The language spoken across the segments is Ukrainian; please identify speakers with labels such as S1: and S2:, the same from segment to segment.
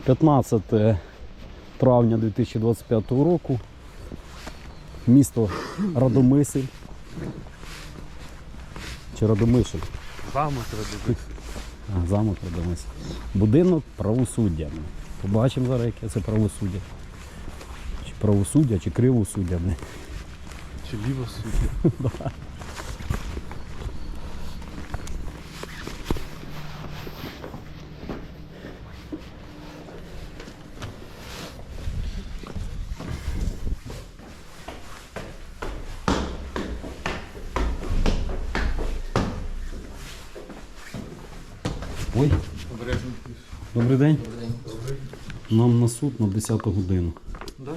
S1: 15 травня 2025 року. Місто Радомишль. Чи Радомишль?
S2: Замок Радомишль.
S1: Замок Радомишль. Будинок правосуддя. Побачимо зараз, яке це правосуддя. Чи правосуддя, чи кривосуддя.
S2: Чи лівосуддя.
S1: Ой, добрий день.
S3: Добрий день.
S1: Нам на суд на 10 годину.
S2: Да?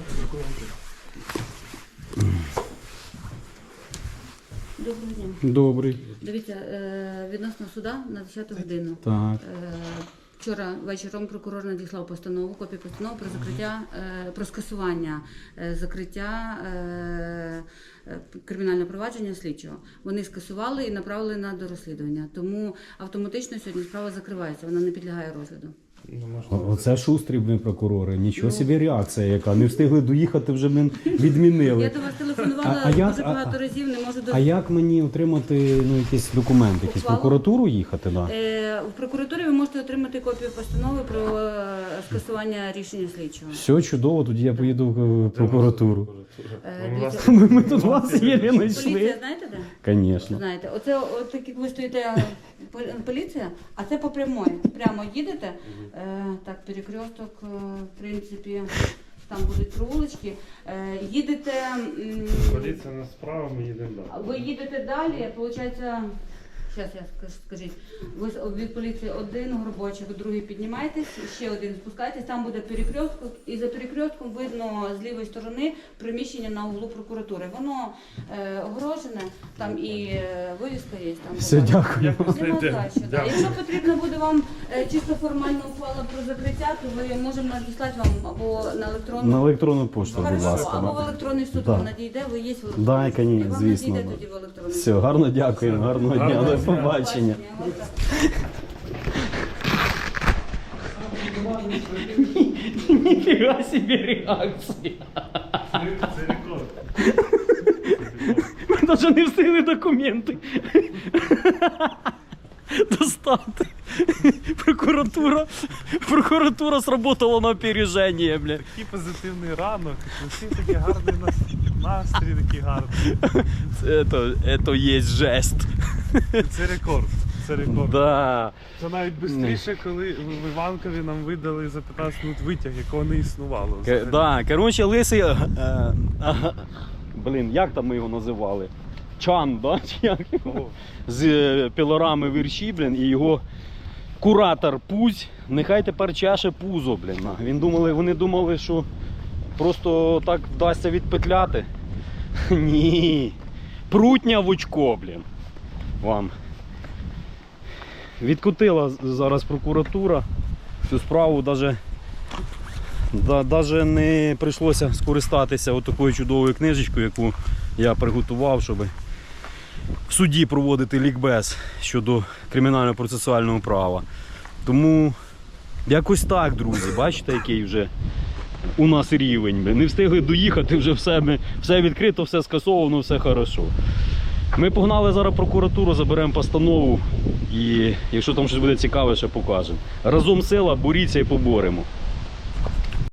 S4: Доброго дня.
S1: Добрий.
S4: Дивіться, відносно суда на 10 годину.
S1: Так.
S4: Вчора вечором прокурор надіслав постанову, копію постанови про закриття, про скасування закриття кримінального провадження слідчого. Вони скасували і направили на дорозслідування. Тому автоматично сьогодні справа закривається, вона не підлягає розгляду.
S1: Оце шустрі ми прокурори. Нічого собі реакція яка. Не встигли доїхати, вже ми відмінили.
S4: Я до вас телефонувала дуже багато разів, не можу
S1: А як мені отримати якийсь документ, якийсь в прокуратуру їхати? Да?
S4: В прокуратурі ви можете отримати копію постанови про скасування рішення слідчого.
S1: Все чудово, тоді я поїду в прокуратуру.
S4: Дивіться,
S1: Ми тут вас є не
S4: поліція,
S1: знайшли.
S4: знаєте де?
S1: Звісно.
S4: Знаєте, оце от так як ви стоїте поліція, а це по прямой. Прямо їдете, так, перекресток, в принципі, там будуть провулочки. Їдете,
S2: Поліція на справа, ми їдемо далі.
S4: ви їдете далі, виходить, зараз я скажіть, ви від поліції один горбочок, другий піднімаєтесь, ще один спускаєтесь, там буде перекресток, і за перекрестком видно з лівої сторони приміщення на углу прокуратури. Воно огорожене, там і вивіска є. Там
S1: Все, дякую.
S4: Нема за що, да. Якщо потрібно буде вам чисто формальна ухвала про закриття, то ви можемо надіслати вам або на електронну.
S1: На електронну пошту, будь
S4: Хорошо,
S1: ласка.
S4: або в електронний суд
S1: Да.
S4: вам надійде, ви є в електронній.
S1: Да,
S4: І
S1: конечно,
S4: вам
S1: звісно,
S4: надійде
S1: да.
S4: тоді в електронний.
S1: Все, гарно дякуємо, гарного дня, до побачення. Ніфіга собі реакція.
S2: Це рекорд.
S1: Ми навіть не встигли документи достати. Прокуратура сработала на опереження, бля.
S2: Такий позитивний ранок, усі такий гарний настрій, такий гарний.
S1: Це є жест.
S2: Це рекорд. Це рекорд.
S1: Да.
S2: Це навіть швидше, коли в Іванкові нам видали за 15 минут витяг, якого не існувало.
S1: Да, коротше, лисий, блін, як там ми його називали? Чан, да? Чи як?
S2: Кого?
S1: З пілорами вірші, блін, і його куратор Пузь, нехай тепер чеше пузо, блін. Вони думали, що просто так вдасться відпетляти. Ні. Прутня в очко, блін. Вам. Відкотила зараз прокуратура цю справу, навіть не прийшлося скористатися такою чудовою книжечкою, яку я приготував, щоб в суді проводити лікбез щодо кримінально-процесуального права. Тому якось так, друзі, бачите, який вже у нас рівень. Не встигли доїхати, вже все відкрито, все скасовано, все хорошо. Ми погнали зараз в прокуратуру, заберемо постанову і якщо там щось буде цікаве, ще покажемо. Разом сила, боріться і поборемо.